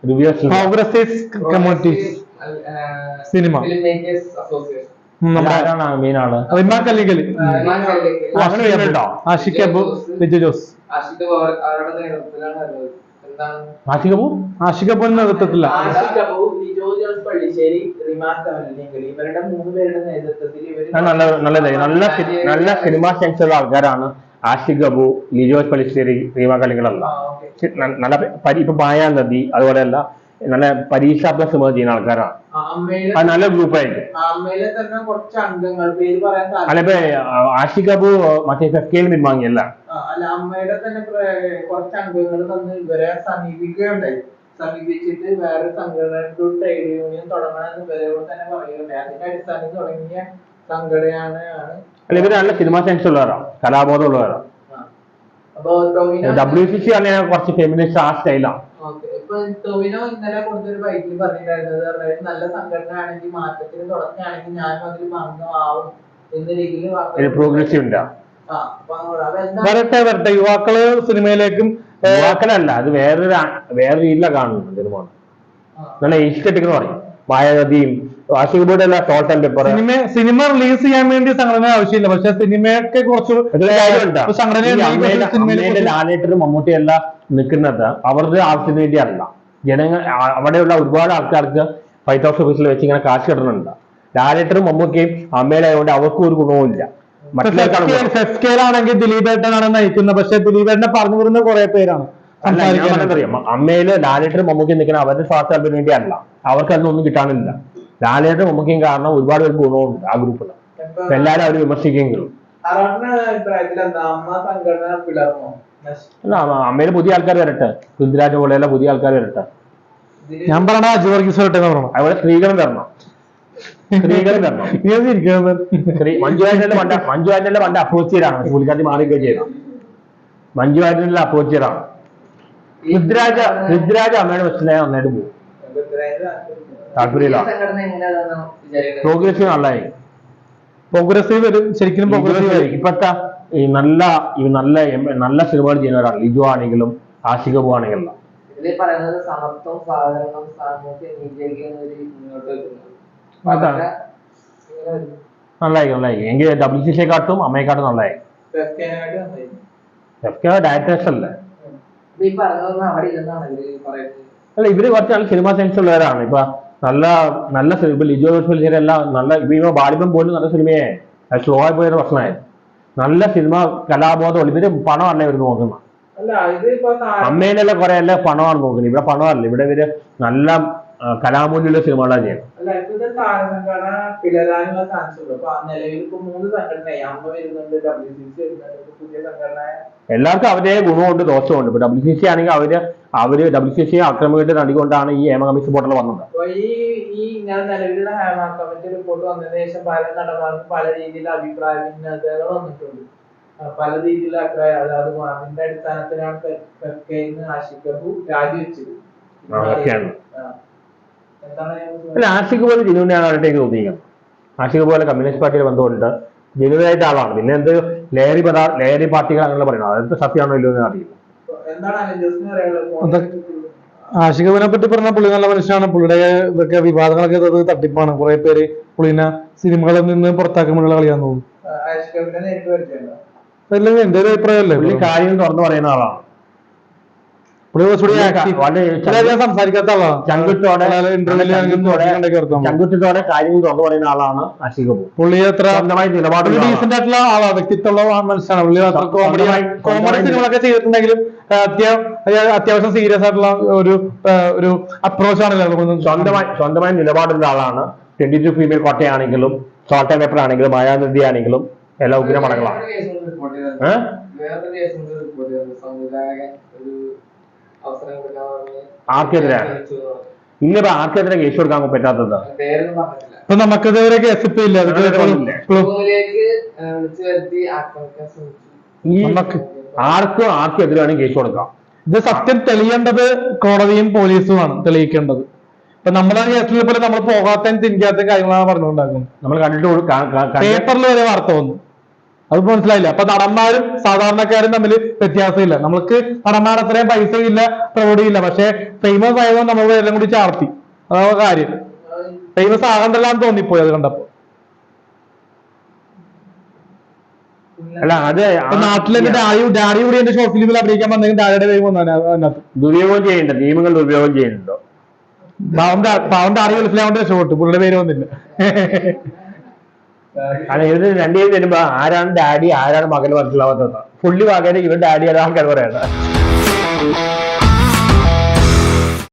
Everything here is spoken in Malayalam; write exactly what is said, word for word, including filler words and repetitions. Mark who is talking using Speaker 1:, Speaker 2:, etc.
Speaker 1: പ്രോഗ്രസീവ് കമ്മ്യൂണിറ്റീസ് സിനിമ
Speaker 2: മെയിൻ ആള്
Speaker 1: റിമാക്ക് അല്ലെങ്കിൽ ആഷിഖ് അബു ലിജോ ജോസ്
Speaker 2: ആഷിഖ് അബു
Speaker 1: ആഷിഖ് അബുവിന്റെ നേതൃത്വത്തില്ല
Speaker 2: നല്ല നല്ല നല്ല നല്ല സിനിമ സെൻസ് ഉള്ള ആൾക്കാരാണ് ആഷിഖ് അബു, ലിജോസ് പള്ളിശ്ശേരി, റീമ കലികളല്ല. നല്ല ഇപ്പൊ പായാ നദി അതുപോലെയല്ല നല്ല പരീക്ഷാത്മക സിനിമ ചെയ്യുന്ന ആൾക്കാരാണ്. അത് നല്ല ഗ്രൂപ്പായിരിക്കും. അല്ല ഇപ്പൊ ആഷിഖ് അബു മറ്റേ ഫെഫ്കയിൽ പിൻവാങ്ങിയല്ല.
Speaker 3: അല്ല അമ്മയുടെ തന്നെ കുറച്ച് അംഗങ്ങൾ തന്ന് ഇവരെ സമീപിക്കുകയുണ്ടായി. സമീപിച്ചിട്ട് വേറെ സംഘടന ട്രേഡ് യൂണിയൻ തുടങ്ങണമെന്ന് ഇവരോട് തന്നെ പറയുകയുണ്ടായി. അതിന്റെ അടിസ്ഥാനത്തിൽ തുടങ്ങിയ സംഘടനയാണ്.
Speaker 2: അല്ല ഇവര് നല്ല സിനിമ സെൻസ് ഉള്ളവരാണ്, കലാബോധം ഉള്ളവരാണ്. ഡബ്ല്യു സി സി പറഞ്ഞാൽ കുറച്ച് ഫെമിനിസ്റ്റ് ആ സ്റ്റൈലാണ്.
Speaker 3: ഇപ്പൊ ടൊവിനോ ഇന്നലെ കൊടുത്തൊരു ബൈക്കിൽ പറഞ്ഞിട്ടുണ്ടായിരുന്നത് നല്ല സംഘടന ആണെങ്കിൽ മാറ്റത്തിന് തുടങ്ങുകയാണെങ്കിൽ ഞാനും അതിൽ ഭാഗമാവും എന്ന രീതിയിൽ
Speaker 2: പ്രോഗ്രസീവ് ഉണ്ട്.
Speaker 1: വരട്ടെ വരട്ടെ യുവാക്കള് സിനിമയിലേക്കും
Speaker 2: യുവാക്കളല്ല, അത് വേറൊരു വേറെ രീതിയിലാണ് കാണുന്നത്. സിനിമ നല്ല എസ്തെറ്റിക് എന്ന് പറയും. മായാവതിയും ആഷിഖുബിയുടെ എല്ലാ ഷോർട്ട് ആൻഡ് പേപ്പർ
Speaker 1: സിനിമ സിനിമ റിലീസ് ചെയ്യാൻ വേണ്ടി സംഘടന ആവശ്യമില്ല. പക്ഷെ സിനിമയൊക്കെ കുറച്ച്
Speaker 2: ലാലേട്ടനും മമ്മൂട്ടിയും എല്ലാം നിൽക്കുന്നത് അവരുടെ ആവശ്യത്തിന് വേണ്ടിയല്ല. ജനങ്ങൾ അവിടെയുള്ള ഒരുപാട് ആൾക്കാർക്ക് ഫൈറ്റ് ഹൗസ് ഓഫീസിൽ വെച്ച് ഇങ്ങനെ കാശ് കിട്ടുന്നുണ്ട്. ലാലേട്ടനും മമ്മൂട്ടിയും അമ്മയിലായതുകൊണ്ട് അവർക്കും ഒരു ഗുണവുമില്ല.
Speaker 1: ാണെങ്കിൽ ദിലീപേട്ടനാണ് നയിക്കുന്നത്. പക്ഷെ ദിലീപേട്ടനെ പറഞ്ഞു വരുന്ന കുറെ പേരാണ്.
Speaker 2: അറിയാം അമ്മയില് ലാലേട്ടനും മമ്മൂക്കിയും നിൽക്കുന്ന അവരുടെ സ്വാർത്ഥത്തിന് വേണ്ടിയല്ല, അവർക്ക് അതൊന്നും കിട്ടാനില്ല. ലാലേട്ടനും മമ്മൂക്കിയും കാരണം ഒരുപാട് പേർക്ക് ഗുണമുണ്ട് ആ ഗ്രൂപ്പിൽ. എല്ലാരും അവര് വിമർശിക്കെങ്കിലും അല്ല അമ്മയില് പുതിയ ആൾക്കാർ വരട്ടെ, പൃഥ്വിരാജ് പോലെയുള്ള പുതിയ ആൾക്കാർ വരട്ടെ.
Speaker 1: ഞാൻ പറഞ്ഞ അജു വർഗീസ് വരട്ടെ എന്ന് പറയണം.
Speaker 2: അവിടെ സ്ത്രീകളും വരണം, സ്ത്രീകളും വരണം. മഞ്ജു വാര്യരുടെ പണ്ട് മഞ്ജു വാര്യരുടെ പണ്ട് അപ്രോച്ച് ചെയ്താണ്, പുള്ളിക്കാരി മാറിയൊക്കെ ചെയ്ത മഞ്ജു വാര്യരുടെ അപ്രോച്ച് ചെയ്താണ്. പൃഥ്വിരാജ് പൃഥ്വിരാജ് അമ്മയുടെ വെച്ചിട്ടുണ്ടെങ്കിൽ നന്നായിട്ട് പോകും. താല്പര്യമില്ല. പ്രോഗ്രസീവ് നല്ലതായി.
Speaker 1: പ്രോഗ്രസീവ് ശരിക്കും
Speaker 2: ഇപ്പത്തെ ഈ നല്ല ഈ നല്ല നല്ല സിനിമകൾ ചെയ്യുന്നവരാണ്. ലിജോ ആണെങ്കിലും ആഷിഖ് അബു ആണെങ്കിലും നല്ലായി നല്ലായി. എങ്കിൽ ഡബ്ല്യു സി സിയെക്കാട്ടും അമ്മയെക്കാട്ടും നല്ലായി. ഡയറക്ടേഴ്സ് അല്ലേ? അല്ല ഇവര് കുറച്ച് നല്ല സിനിമ സെൻസ് ഉള്ളവരാണ്. ഇപ്പൊ നല്ല നല്ല ഇപ്പൊ ലിജോ ജോസ് എല്ലാം നല്ല ഇപ്പൊ ബാലിബം പോലും നല്ല സിനിമയെ സ്ലോ ആയി പോയൊരു പ്രശ്നമായി. നല്ല സിനിമ കലാബോധമുള്ള ഇവര് പണമല്ല ഇവര് നോക്കുന്നത്. അമ്മയിലെല്ലാം കുറെ എല്ലാം പണമാണ് നോക്കുന്നത്. ഇവിടെ പണമല്ല, ഇവിടെ ഇവര് നല്ല കലാമൂല്യമുള്ള സിനിമകളാണ് ചെയ്യുന്നത്. എല്ലാവർക്കും അവരുടെ ഗുണമുണ്ട് ദോഷമുണ്ട്. ഇപ്പൊ ഡബ്ല്യു സി സി ആണെങ്കിൽ അവര് അവര് ഡബ്ല്യു സി സി ആക്രമിച്ചിട്ട് നടികൊണ്ടാണ് ഈ ഹേമ കമ്മീഷൻ പോർട്ടൽ വന്നത്.
Speaker 3: ഈ ഞാൻ നിലവിലുള്ള ഹേമ കമ്മിറ്റി റിപ്പോർട്ട് വന്നതിന് ശേഷം പല നടന്മാർക്കും പല രീതിയിലുള്ള അഭിപ്രായ ഭിന്നതകൾ വന്നിട്ടുണ്ട്. പല രീതിയിലുള്ള അഭിപ്രായം അതായത് അതിന്റെ അടിസ്ഥാനത്തിലാണ് ആഷിഖ് അബു രാജിവെച്ചത്.
Speaker 2: അല്ല ആഷിഖ് പോലെ ജനുവിനാണ് അവരുടെ തോന്നിയിരിക്കുന്നത്. ആഷിഖ് പോലെ കമ്മ്യൂണിസ്റ്റ് പാർട്ടിയുടെ ബന്ധമുണ്ട്, ജനുവിനായിട്ട് ആളാണ്. പിന്നെ എന്ത് ലഹരി പദാർത്ഥ ലഹരി പാർട്ടികൾ അങ്ങനെ പറയുന്നത് അതൊക്കെ സത്യമാണോ ഇല്ലോ എന്ന് അറിയില്ല.
Speaker 1: ആഷിഖ് അബുവിനെ പറ്റി പറഞ്ഞ പുള്ളി നല്ല മനുഷ്യനാണ്. പുള്ളിയുടെ ഇതൊക്കെ വിവാദങ്ങളൊക്കെ തട്ടിപ്പാണ്. കുറെ പേര് പുള്ളിനെ സിനിമകളിൽ നിന്ന് പുറത്താക്കുമ്പോഴുള്ള കളിയാന്ന് തോന്നുന്നു. അല്ലെങ്കിൽ എന്റെ ഒരു അഭിപ്രായമല്ലേ,
Speaker 2: പുള്ളി കാര്യം തുറന്നു പറയുന്ന ആളാണ്.
Speaker 1: സംസാരിക്കാത്ത ആളാണ്.
Speaker 2: ചങ്കുറ്റോടെ ചങ്കുറ്റത്തോടെ കാര്യങ്ങൾ തുറന്നു പറയുന്ന ആളാണ് ആഷിഖ് അബു.
Speaker 1: പുള്ളി എത്ര
Speaker 2: സ്വന്തമായി നിലപാട്
Speaker 1: ഡീസന്റ് ആയിട്ടുള്ള ആളാണ്, വ്യക്തിത്വമുള്ള മനുഷ്യനാണ്. പുള്ളി കോമഡി കോമഡി സിനിമകളൊക്കെ ചെയ്തിട്ടുണ്ടെങ്കിലും അത്യാവശ്യം സീരിയസ് ആയിട്ടുള്ള ഒരു ഒരു അപ്രോച്ച് ആണല്ലോ.
Speaker 2: സ്വന്തമായി സ്വന്തമായി നിലപാടുള്ള ആളാണ്. ട്വന്റി ടു ഫീമെയിൽ കോട്ടയാണെങ്കിലും ഷോർട്ട് ആൻഡ് പേപ്പർ ആണെങ്കിലും മായാനദി ആണെങ്കിലും എല്ലാം ഉഗ്രമടങ്ങളാണ്. ആർക്കെതിരാണ് ഇന്നിപ്പോ ആർക്കെതിരെ കേസ് കൊടുക്കാൻ പറ്റാത്തത്?
Speaker 1: ഇപ്പൊ നമുക്കെതിരെ കേസ് ഇപ്പൊ ഇല്ല.
Speaker 2: ആർക്കും ആർക്കും എതിരാണ് കേസ് കൊടുക്കാം.
Speaker 1: ഇത് സത്യം തെളിയേണ്ടത് കോടതിയും പോലീസുമാണ് തെളിയിക്കേണ്ടത്. ഇപ്പൊ നമ്മളെ കേസിലെ പോലെ നമ്മൾ പോകാത്ത തിരിക്കാത്ത കാര്യങ്ങളാണ് പറഞ്ഞുകൊണ്ടാക്കുന്നത്.
Speaker 2: നമ്മൾ കണ്ടിട്ട്
Speaker 1: പേപ്പറിൽ വരെ വാർത്ത വന്നു. അത് മനസ്സിലായില്ല. അപ്പൊ നടന്മാരും സാധാരണക്കാരും തമ്മിൽ വ്യത്യാസമില്ല. നമുക്ക് നടന്മാർ അത്രയും പൈസ ഇല്ല, പ്രൗഢിയില്ല, പക്ഷെ ഫേമസ് ആയതുകൊണ്ട് നമ്മൾ എല്ലാം കൂടി ചാർത്തി. അതാണ് കാര്യം. ഫേമസ് ആകണ്ടല്ലാന്ന് തോന്നിപ്പോയി അത് കണ്ടപ്പോ.
Speaker 2: അല്ല അത്
Speaker 1: നാട്ടിലെ ഡാഡി ഡാഡി കൂടി എന്റെ ഷോർട്ട് ഫിലിമിൽ അഭിനയിക്കാൻ വന്നെങ്കിൽ ഡാഡിയുടെ പേര് വന്നാണ് അതിനകത്ത്.
Speaker 2: ദുരുപയോഗം ചെയ്യുന്നുണ്ട്, നിയമങ്ങൾ ദുരുപയോഗം ചെയ്യുന്നുണ്ടോ?
Speaker 1: പാവന്റെ പാവന്റെ ഡാഡി മനസ്സിലാവേണ്ട ഷോർട്ട്, പുള്ളിയുടെ പേര് വന്നില്ല.
Speaker 2: കാരണം ഇവര് രണ്ടുപേരും വരുമ്പോ ആരാണ് ഡാഡി ആരാണ് മകൻ മനസ്സിലാവാത്തത്. പുള്ളി മകന് ഇവൻ ഡാഡി ആൾക്കാർ പറയാം.